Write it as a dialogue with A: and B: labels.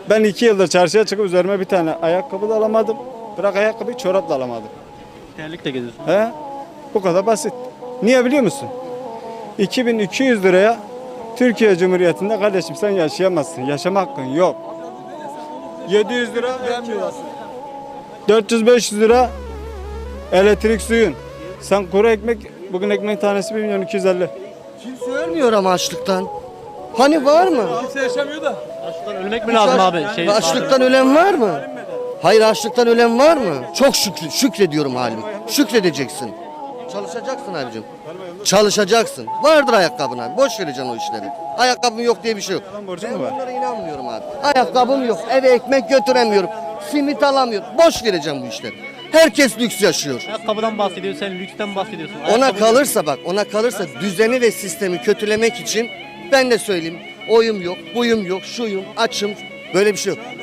A: Ben 2 yıldır çarşıya çıkıp üzerime bir tane ayakkabı da alamadım. Bırak ayakkabıyı, çorap da alamadım.
B: Terlikle geziyorsun.
A: He? Bu kadar basit. Niye biliyor musun? 2200 liraya Türkiye Cumhuriyeti'nde kardeşim sen yaşayamazsın. Yaşama hakkın yok. 700 lira vermiyorsun. 400-500 lira elektrik suyun. Sen kuru ekmek, bugün ekmek tanesi 1 milyon 250.
C: Kimse ölmüyor ama açlıktan. Hani var mı?
B: Açlıktan ölmek mi lazım abi?
C: Açlıktan ölen var mı? Hayır, açlıktan ölen var mı? Çok şükrediyorum halim. Şükredeceksin. Çalışacaksın abicim. Çalışacaksın. Vardır ayakkabın abi. Boş vereceksin o işleri. Ayakkabım yok diye bir şey yok.
A: borcun
C: Ben
A: mu var?
C: bunlara inanmıyorum abi. Ayakkabım yok. Eve ekmek götüremiyorum. Simit alamıyorum. Boş vereceğim bu işleri. Herkes lüks yaşıyor.
B: Ayakkabıdan bahsediyor, sen lüksten bahsediyorsun.
C: Ona
B: Ayakkabı-
C: kalırsa bak, ona kalırsa düzeni ve sistemi kötülemek için ben de söyleyeyim. Oyum yok, buyum yok, şuyum, açım. Böyle bir şey yok.